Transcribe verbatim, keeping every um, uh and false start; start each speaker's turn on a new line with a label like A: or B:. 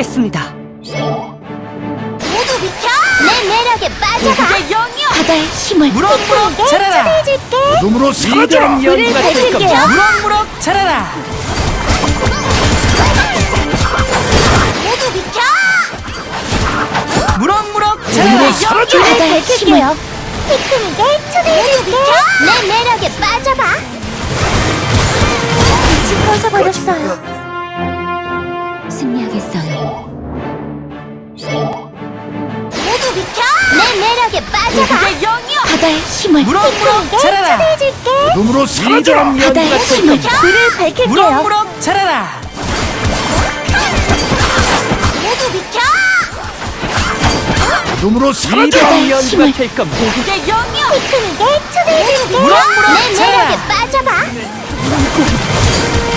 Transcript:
A: 받겠습니다.
B: 모두 비켜! 내 매력에 빠져봐!
A: 고국의 영이여!
B: 바다의 힘을
A: 무럭무럭 자라라!
B: 초대해줄게!
C: 어둠으로 사라져!
A: 위대한 연구가 될
B: 밝힐게요.
A: 겁니다. 무럭무럭 자라라!
B: 모두 비켜!
A: 무럭무럭 자라라!
C: 어둠으로 사라져!
B: 바다의 힘을 피크닉에 초대해줄게! 내 매력에 빠져봐! 빛이 꺼져버렸어요. 승리하겠어요. 모두 비켜! 내 매력에 빠져봐!
A: 고국의 영이여!
B: 바다의 힘을
A: 무럭무럭
B: 피크닉에
A: 자라라!
B: 초대해줄게!
C: 어둠으로 사라져!
A: 위대한 연구가
B: 바다의
A: 될
B: 힘을
A: 겁니다.
B: 불을 밝힐게요.
A: 무럭무럭 자라라!
B: 모두 비켜!
C: 어둠으로 사라져!
A: 위대한 연구가
B: 힘을
A: 될 겁니다. 고국의 영이여!
B: 피크닉에 초대해줄게!
A: 무럭무럭
B: 내
A: 자라라!
B: 매력에 빠져봐!